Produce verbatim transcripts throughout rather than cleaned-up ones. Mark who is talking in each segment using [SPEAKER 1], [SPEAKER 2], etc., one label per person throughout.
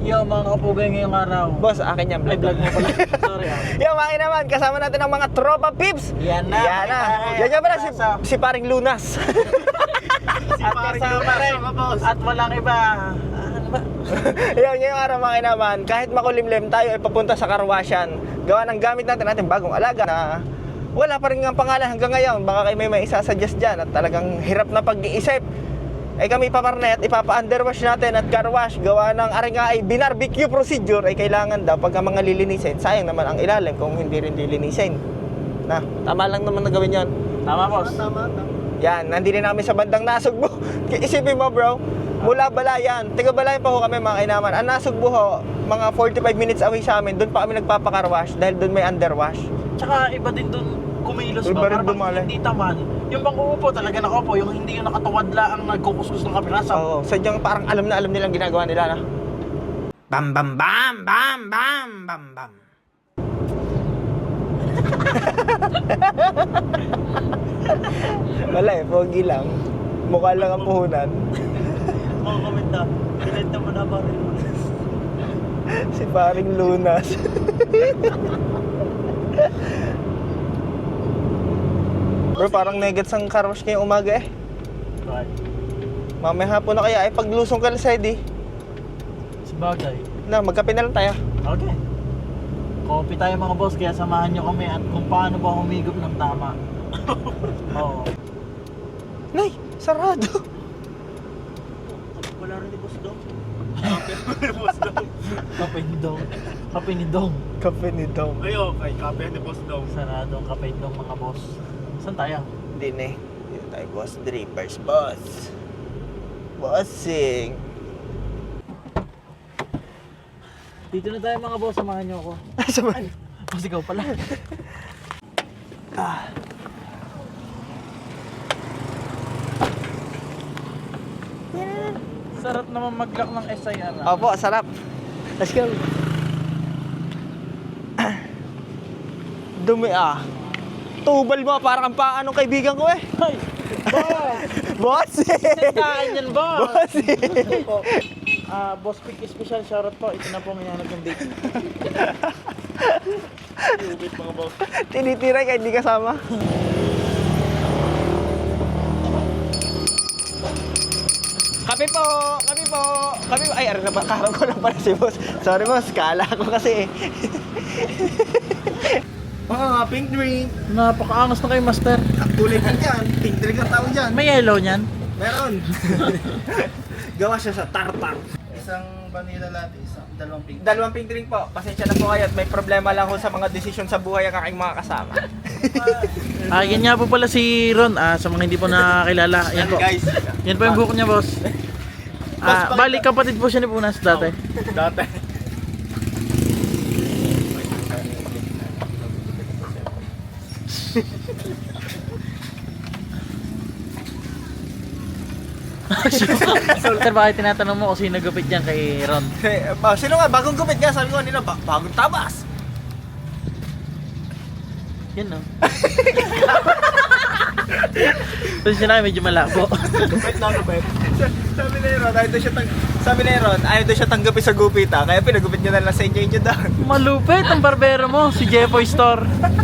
[SPEAKER 1] Yo, mga kapugay ngayong araw.
[SPEAKER 2] Boss, akin yan.
[SPEAKER 1] Ay, vlog mo pala. Sorry ah.
[SPEAKER 2] Yo, mga naman, kasama natin ang mga tropa pips.
[SPEAKER 1] Yan na.
[SPEAKER 2] Yan na. Yan nga pala si, si paring Lunas.
[SPEAKER 1] At kasama rin. At walang iba. Ano ba?
[SPEAKER 2] Yan, ngayong araw mga naman, kahit makulimlim tayo ay papunta sa karwasyan. Gawa ng gamit natin natin bagong alaga na wala pa rin ang pangalan hanggang ngayon. Baka kayo may may isasuggest dyan at talagang hirap na pag-iisip. Ay kami paparnet, ipapa-underwash natin at carwash. Gawa ng ari nga ay binarbecue procedure ay kailangan daw pagka mga lilinisin. Sayang naman ang ilalim kung hindi rin lilinisin. Na, tama lang naman na gawin yon.
[SPEAKER 1] Tama, boss.
[SPEAKER 3] Tama, tama.
[SPEAKER 2] Yan, nandito na kami sa bandang Nasugbu. Isipin mo bro, mula Balayan, tiga Balayan pa ho kami mga kainaman. Ang Nasugbu ho, mga forty-five minutes away sa amin, doon pa kami nagpapakarwash dahil doon may underwash.
[SPEAKER 1] Tsaka iba din dun kumilos
[SPEAKER 2] Iba
[SPEAKER 1] ba?
[SPEAKER 2] rin
[SPEAKER 1] Para
[SPEAKER 2] dumali.
[SPEAKER 1] bang hindi taman. Yung bang uupo talaga nakaupo, yung hindi yung nakatuwad lang ang nagkukuskus ng kapiraso.
[SPEAKER 2] Oo, sadyang parang alam na alam nilang ginagawa nila na. Bam bam bam bam bam bam bam. Wala eh, pogi lang. Mukha lang ang puhunan.
[SPEAKER 1] Mga komenta, pinenta mo na ba rin?
[SPEAKER 2] Si paring Lunas. Bro, parang negets ang carwash ngayong umaga eh.
[SPEAKER 1] Right.
[SPEAKER 2] Mamaya hapon na kaya ay paglusong ka na sa edi.
[SPEAKER 1] Sabagay.
[SPEAKER 2] Na, magkape na lang tayo.
[SPEAKER 1] Okay. Coffee tayo mga boss, kaya samahan nyo kami at kung paano ba humigop ng tama. Oo.
[SPEAKER 2] Nay, sarado.
[SPEAKER 1] Wala rin ni boss dong. Kape ni dong. Kape ni dong.
[SPEAKER 2] Kape ni Dom.
[SPEAKER 3] Ay, okay. Kape ni Boss Dong.
[SPEAKER 1] Sarado ang kape ni dong mga boss. Saan tayo?
[SPEAKER 2] Hindi na eh. Dito tayo, boss. Drippers, boss. Bossing.
[SPEAKER 1] Dito na tayo mga boss, samahan nyo ako.
[SPEAKER 2] Saman.
[SPEAKER 1] Boss, ikaw pala.
[SPEAKER 2] Ah.
[SPEAKER 1] Sarap naman mag-lock ng S I R. ah.
[SPEAKER 2] Opo, sarap. Let's go. Dumi ah. Tubal mo, parang ang paanong kaibigan ko eh.
[SPEAKER 1] Ay! Boss!
[SPEAKER 2] Bossing!
[SPEAKER 1] Sandaan yan, boss!
[SPEAKER 2] Bossing!
[SPEAKER 1] Ah, Boss Pick Special shoutout po. Ito na po ang hinahanap ng date.
[SPEAKER 3] Ubit mga boss.
[SPEAKER 2] Tinitiray kahit di kasama. Kape po! Kape po! Kape po! Ay, ano na ba? Karang ko lang pala si boss. Sorry boss, kala ko kasi eh.
[SPEAKER 3] Ah, pink drink.
[SPEAKER 1] Napakaangas na kayo, master.
[SPEAKER 3] Kulay pink yan. Pink drink ang tawag dyan.
[SPEAKER 1] May yellow niyan.
[SPEAKER 3] Meron.
[SPEAKER 2] Gawa siya sa tartar.
[SPEAKER 3] Isang vanilla latte, isang dalawang pink.
[SPEAKER 2] Dalawang pink drink po. Pasensya na po kayo at may problema lang ho sa mga desisyon sa buhay ang aking mga kasama.
[SPEAKER 1] Ah, yan nga po pala si Ron. Ah, sa mga hindi po nakakilala. Yan po.
[SPEAKER 3] Guys,
[SPEAKER 1] Yan po yung buhok niya, boss. Ah, balik kapatid po siya ni Punas dati.
[SPEAKER 3] dati.
[SPEAKER 1] Sir, bakit tinatanong mo kung sino gupit dyan kay Ron?
[SPEAKER 2] Eh, ba, sino nga? Bagong gupit nga. Sabi ko nila, ba- bagong tabas.
[SPEAKER 1] Yan, no? Tapos siya na medyo malabo.
[SPEAKER 3] Gupit na gupit.
[SPEAKER 2] Sabi ni Ron, ayaw daw siya tang Sabi ni Ron, ayaw daw siya tanggapin sa gupit ha. Kaya pinagupit niya na lang sa inyo inyo daw.
[SPEAKER 1] Malupit ang barbero mo, si Jeffoy Store.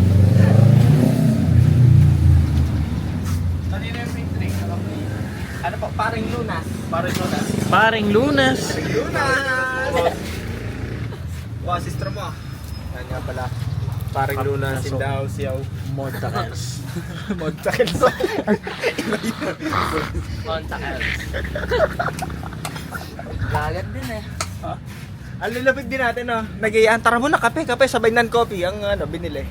[SPEAKER 2] Kanina yung pink drink. Ano po? Paring Lunas.
[SPEAKER 3] Paring Lunas.
[SPEAKER 1] Paring Lunas.
[SPEAKER 2] Lunas! Wow, sister mo ah. Yan nga pala. Paring Lunas in the house, yaw.
[SPEAKER 1] Montakels.
[SPEAKER 2] Montakels.
[SPEAKER 1] Montakels. Lagat din eh.
[SPEAKER 2] Ang lulapit din natin oh. Nag-iyan, tara mo na kape, kape, sabay nan coffee ang ano, binili.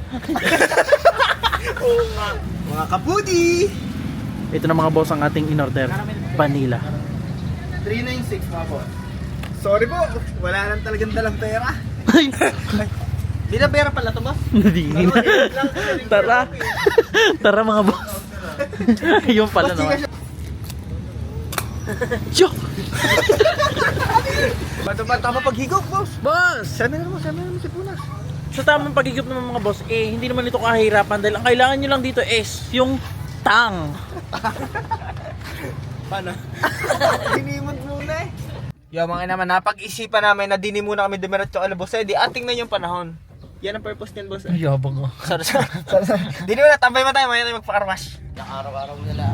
[SPEAKER 2] Oo nga. Mga kapudi!
[SPEAKER 1] Ito na mga boss ang ating in-order. Vanilla.
[SPEAKER 3] three ninety-six mga boss.
[SPEAKER 2] Sorry po, wala lang talagang dalang pera. Di na pera pala to boss?
[SPEAKER 1] Hindi na. Tara. Tara mga boss. Yung pala naman. Yo!
[SPEAKER 2] Bato ba tama paghigop boss?
[SPEAKER 1] Boss!
[SPEAKER 2] Sana naman, sana naman si Punas.
[SPEAKER 1] Sa tamang pagigip naman mga boss, eh, hindi naman ito kahirapan dahil ang kailangan nyo lang dito is yung tang.
[SPEAKER 2] Paano? Hinimod muna eh. Yo mga naman, napag-isipan namin na dini muna kami dumiretso ala boss. Eh, di ating na yung panahon. Yan ang purpose niyan boss.
[SPEAKER 1] Ay, yabang ko.
[SPEAKER 2] Sorry, sorry. sorry, sorry. Dini muna, tambay mo tayo, maya tayo magpa-carwash.
[SPEAKER 4] Yung araw-araw nila.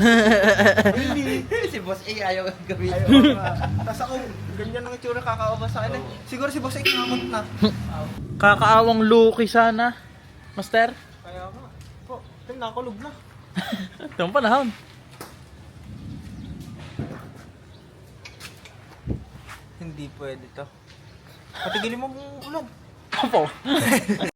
[SPEAKER 4] Si Boss A ayaw gawin.
[SPEAKER 2] Tapos ako, ganyan ang itsura kakaoba sa akin eh. Siguro si boss ay kinamot na.
[SPEAKER 1] Kakaawang Lucky sana. Master?
[SPEAKER 2] Kaya nga. Po, ito nakulog na.
[SPEAKER 1] Itong panahon.
[SPEAKER 2] Hindi pwede to. Patigilin mo mong ulan.
[SPEAKER 1] Opo.